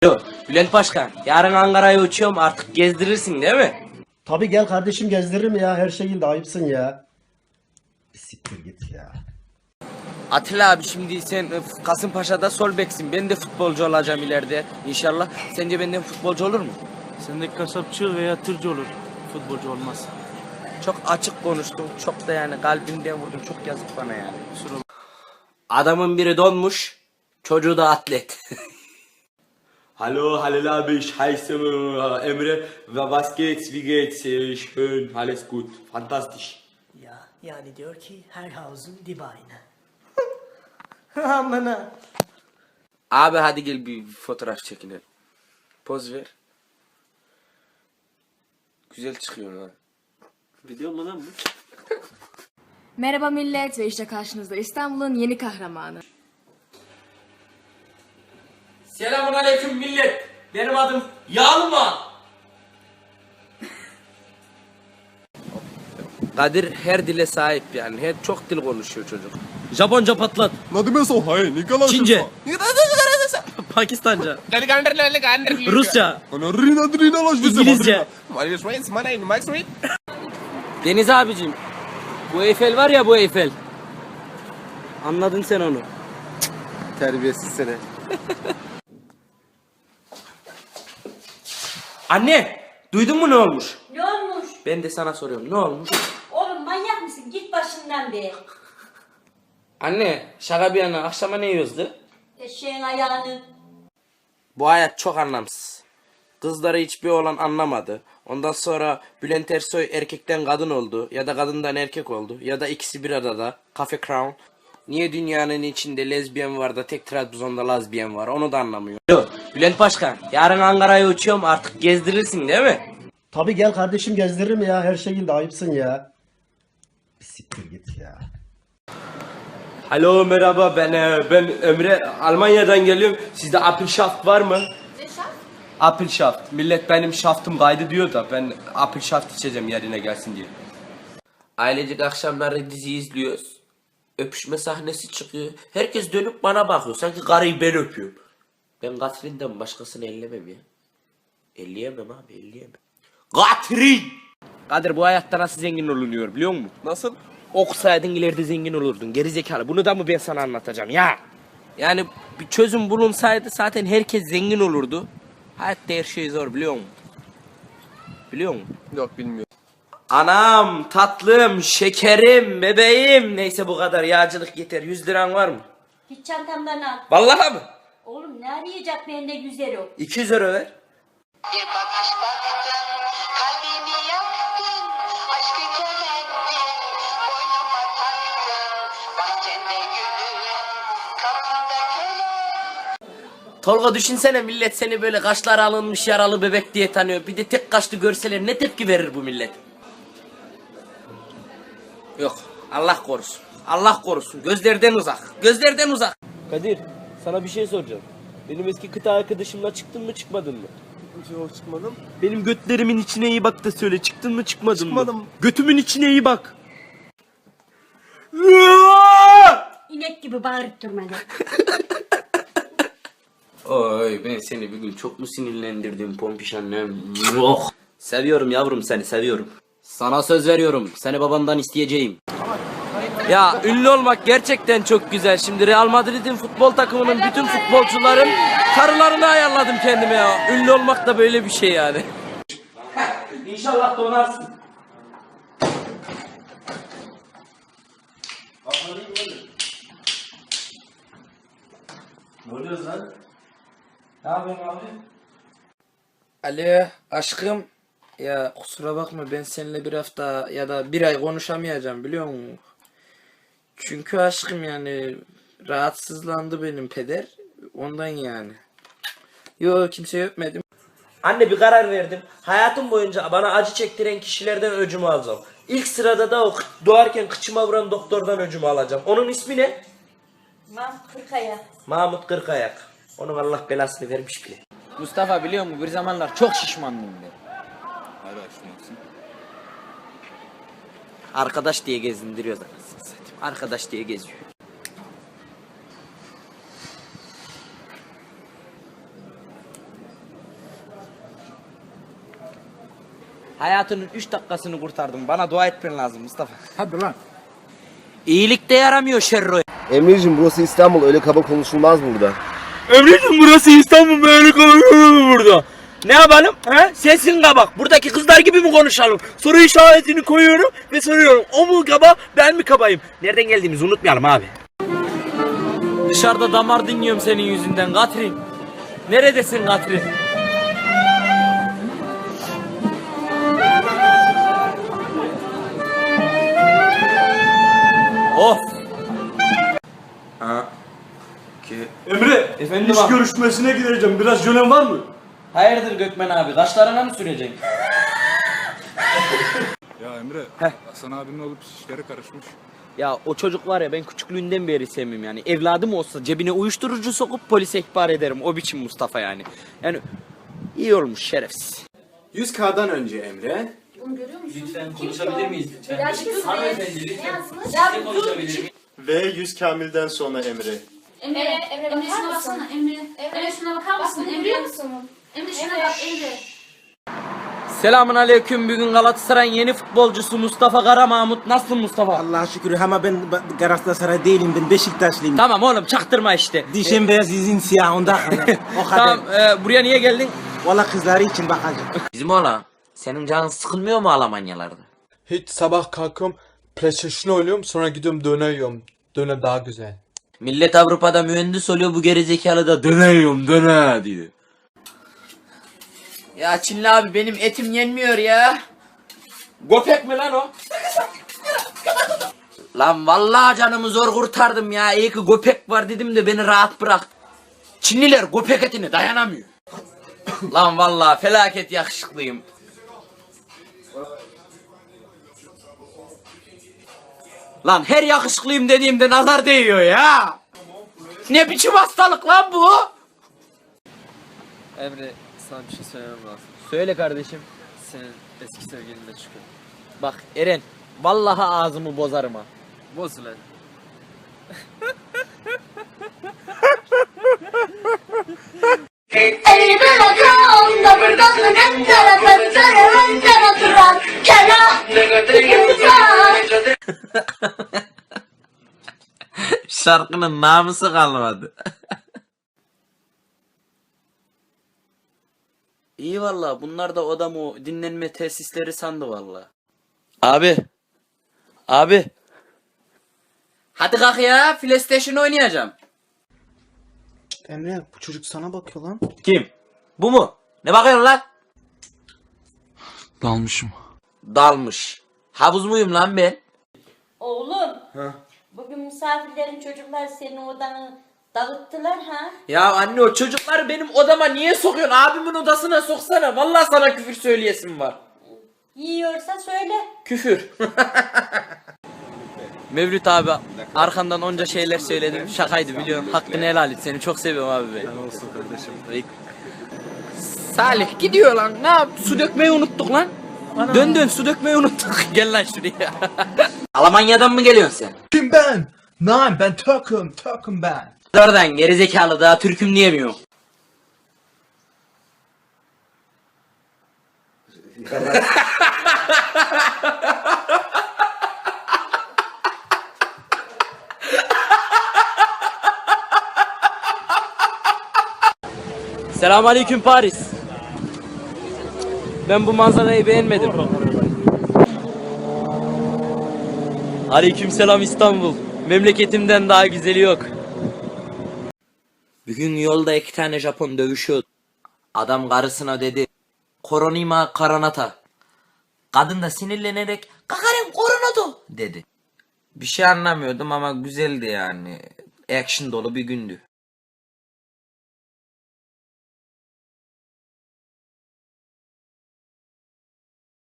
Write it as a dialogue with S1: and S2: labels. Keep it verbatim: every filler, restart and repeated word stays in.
S1: Alo, Bülent Başkan, yarın Ankara'ya uçuyorum, artık gezdirirsin değil mi?
S2: Tabii gel kardeşim gezdiririm ya. Her şekilde ayıpsın ya. Bir siktir git ya.
S1: Atilla abi, şimdi sen e, Kasımpaşa'da sol beksin, ben de futbolcu olacağım ileride inşallah. Sence benden futbolcu olur mu?
S3: Sende kasapçı veya tırcı olur. Futbolcu olmaz.
S1: Çok açık konuştun, çok da yani kalbimden vurdun, çok yazık bana yani.
S3: Kusura bak-
S1: Adamın biri donmuş, çocuğu da atlet.
S4: Hallo, Halil abi, ich heiße äh, Emre. Was geht's, wie geht's? Äh, Schön, alles gut, fantastisch.
S5: Ya yani diyor ki her havuzun dibi aynı.
S1: Amına. Abi hadi gel bir fotoğraf çekinelim. Poz ver. Güzel çıkıyor ha.
S3: Video mu lan bu?
S6: Merhaba millet ve işte karşınızda İstanbul'un yeni kahramanı.
S1: Selamun aleyküm millet. Benim adım Yalma. Kadir her dile sahip yani. Her çok dil konuşuyor çocuk. Japonca patlat. Çince. Pakistanca. Rusça. İngilizce. Deniz abicim. Bu Eyfel var ya, bu Eyfel. Anladın sen onu.
S2: Terbiyesiz seni.
S1: Anne, duydun mu ne olmuş?
S7: Ne olmuş?
S1: Ben de sana soruyorum, ne olmuş?
S7: Oğlum manyak mısın? Git başından be.
S1: Anne, şaka bir yana, akşama ne yiyoruzdu?
S7: Eşeğin ayağını.
S1: Bu hayat çok anlamsız. Kızları hiçbir oğlan anlamadı. Ondan sonra Bülent Ersoy erkekten kadın oldu. Ya da kadından erkek oldu. Ya da ikisi bir arada. Cafe Crown. Niye dünyanın içinde lezbiyen var da tek Trabzon'da lazbiyen var, onu da anlamıyor. Alo, Bülent Başkan, yarın Ankara'ya uçuyorum, artık gezdirirsin değil mi?
S2: Tabii gel kardeşim gezdiririm ya. Her şekilde ayıpsın ya. Bir siktir git ya.
S4: Hallo, merhaba, ben äh, ben Emre, Almanya'dan geliyorum. Sizde Apfelschaft var mı?
S6: Ne şart?
S4: Apfelschaft. Millet benim şaftım kaydı diyor da ben Apfelschaft içeceğim yerine gelsin diye.
S1: Ailecek akşamları dizi izliyoruz. Öpüşme sahnesi çıkıyor. Herkes dönüp bana bakıyor. Sanki karıyı ben öpüyorum. Ben Katrin'den başkasını ellemem ya. Elleyemem abi, elleyemem. Katrin! Kadir, bu hayatta nasıl zengin olunuyor biliyor musun? Nasıl? Okusaydın ileride zengin olurdun. Gerizekalı. Bunu da mı ben sana anlatacağım ya? Yani bir çözüm bulunsaydı zaten herkes zengin olurdu. Hayatta her şey zor biliyor musun? Biliyor musun?
S4: Yok, bilmiyorum.
S1: Anam, tatlım, şekerim, bebeğim. Neyse bu kadar, yağcılık yeter. Yüz liran var mı?
S7: Git çantamdan al.
S1: Vallahi mı?
S7: Oğlum ne arayacak bende güzel o.
S1: iki yüz euro ver.
S8: Bir bakış baktın, kalbimi yaktın, aşkı kemendin, boynuma taktın, bahçende gülüm, kapında kölen.
S1: Tolga, düşünsene, millet seni böyle kaşları alınmış yaralı bebek diye tanıyor. Bir de tek kaşlı görseler ne tepki verir bu millet? Yok, Allah korusun. Allah korusun. Gözlerden uzak. Gözlerden uzak.
S3: Kadir, sana bir şey soracağım. Benim eski kıta arkadaşımla çıktın mı çıkmadın mı?
S4: Yok, çıkmadım.
S3: Benim götlerimin içine iyi bak da söyle, çıktın mı çıkmadın
S4: Çıkmadım.
S3: mı? Götümün içine iyi bak.
S7: İnek gibi bağırıp durma lan.
S1: Oy, ben seni bir gün çok mu sinirlendirdim pompiş annem? Yok. Seviyorum yavrum, seni seviyorum. Sana söz veriyorum, seni babandan isteyeceğim. Ya ünlü olmak gerçekten çok güzel. Şimdi Real Madrid'in futbol takımının bütün futbolcuların karılarını ayarladım kendime ya. Ünlü olmak da böyle bir şey yani. İnşallah donarsın. Ne oluyoruz lan? Ne yapıyorsun abi? Alo aşkım. Ya kusura bakma, ben seninle bir hafta ya da bir ay konuşamayacağım biliyor musun? Çünkü aşkım yani rahatsızlandı benim peder. Ondan yani. Yo, kimseyi öpmedim. Anne, bir karar verdim. Hayatım boyunca bana acı çektiren kişilerden öcümü alacağım. İlk sırada da o doğarken kıçıma vuran doktordan öcümü alacağım. Onun ismi ne?
S7: Mam kırkaya.
S1: Mahmut Kırkayak. Onun Allah belasını vermiş bile.
S9: Mustafa, biliyor musun, bir zamanlar çok şişmandım ben.
S1: Arkadaş diye gezindiriyor zaten. Arkadaş diye geziyor.
S9: Hayatının üç dakikasını kurtardım. Bana dua etmen lazım Mustafa.
S10: Hadi lan.
S9: İyilik de yaramıyor Şerro.
S2: Emre'cim burası İstanbul, öyle kaba konuşulmaz burada.
S3: Emre'cim burası İstanbul, böyle konuşuyor mu burada? Ne yapalım? He? Sensin kabak. Buradaki kızlar gibi mi konuşalım? Soru işaretini koyuyorum ve soruyorum. O mu kaba, ben mi kabayım? Nereden geldiğimizi unutmayalım abi. Dışarıda damar dinliyorum senin yüzünden Katrin. Neredesin Katrin? Of.
S4: Emre,
S3: Efendim
S4: iş
S3: abi?
S4: görüşmesine gideceğim. Biraz jölen var mı?
S9: Hayırdır Gökmen abi? Kaşlarına mı süreceksin?
S10: Ya Emre, Hasan abinin olup işleri karışmış.
S3: Ya o çocuk var ya, ben küçüklüğünden beri sevmiyorum yani. Evladım olsa cebine uyuşturucu sokup polise ihbar ederim. O biçim Mustafa yani. Yani iyi olmuş, şerefsiz.
S4: yüz K'dan önce Emre.
S6: Bunu görüyor musun?
S9: Lütfen konuşabilir miyiz lütfen?
S6: Ya bir dur be.
S9: Hanımefendi lütfen.
S6: Ne yazmış?
S9: Sizinle konuşabilir miyim?
S11: Ve yüz Kamil'den sonra Emre.
S6: Emre, Emre, Emre şuna baksana Emre. Emre şuna bakar mısın Emre? Emre şuna bak Emre.
S3: Selamun aleyküm. Bugün Galatasaray'ın yeni futbolcusu Mustafa Kara Mahmut. Nasılsın Mustafa?
S12: Allah'a şükür ama ben Galatasaray değilim, ben Beşiktaşlıyım.
S3: Tamam oğlum, çaktırma işte.
S12: Dişim beyaz, yüzün siyah, ondan o kadar.
S3: Tamam, e, buraya niye geldin?
S12: Valla kızları için bakacağım.
S1: Bizim oğlan, senin canın sıkılmıyor mu Almanyalarda?
S11: Hiç sabah kalkıyorum, PlayStation oynuyorum, sonra gidiyorum döner yiyorum. Döner daha güzel.
S1: Millet Avrupa'da mühendis oluyor, bu gerizekalı da dönüyorum döne diyor.
S9: Ya Çinli abi benim etim yenmiyor ya.
S3: Göpek mi lan o?
S1: Lan vallahi canımı zor kurtardım ya. İyi ki köpek var dedim de beni rahat bırak. Çinliler köpek etine dayanamıyor. Lan vallahi felaket yakışıklıyım. Lan her yakışıklıyım dediğimde nazar değiyor ya. Ne biçim hastalık lan bu?
S3: Emre, sana bir şey söylemem lazım. Söyle kardeşim. Senin eski sevgilinle çıkıyor. Bak Eren, vallahi ağzımı bozarım ha. Boz lan.
S7: Elime bakan da buradan neden tarafın tarafından oturan kela insan.
S1: Şarkının namusu kalmadı.
S3: İyi valla, bunlar da oda mı dinlenme tesisleri sandı valla. Abi. Abi.
S1: Hadi kalk ya, PlayStation oynayacağım.
S12: Emre, bu çocuk sana bakıyor lan.
S1: Kim? Bu mu? Ne bakıyorsun lan?
S10: Dalmışım.
S1: Dalmış. Havuz muyum lan ben?
S7: Oğlum. Bugün misafirlerin çocuklar senin odanı dağıttılar ha.
S1: Ya anne, o çocukları benim odama niye sokuyorsun? Abimin odasına soksana. Vallahi sana küfür söyleyesim var.
S7: Yiyorsa söyle.
S3: Küfür. Mevlüt abi, arkandan onca şeyler söyledim. Şakaydı biliyorum. Hakkını helal et. Seni çok seviyorum abi ben.
S10: Olsun kardeşim.
S3: Salih gidiyor lan. Ne yap? Su dökmeyi unuttuk lan. Dön dön, su dökmeyi unuttuk. Gel lan şuraya.
S1: Almanya'dan mı geliyorsun sen?
S11: Kim ben? Nein, ben Türk'üm, Türk'üm ben.
S1: Oradan gerizekalı, daha Türk'üm diyemiyor.
S3: Selamünaleyküm Paris. Ben bu manzarayı beğenmedim. Aleykümselam İstanbul. Memleketimden daha güzeli yok.
S1: Bugün yolda iki tane Japon dövüşüyordu. Adam karısına dedi, koronima karanata. Kadın da sinirlenerek, kakarim koronato dedi. Bir şey anlamıyordum ama güzeldi yani. Action dolu bir gündü.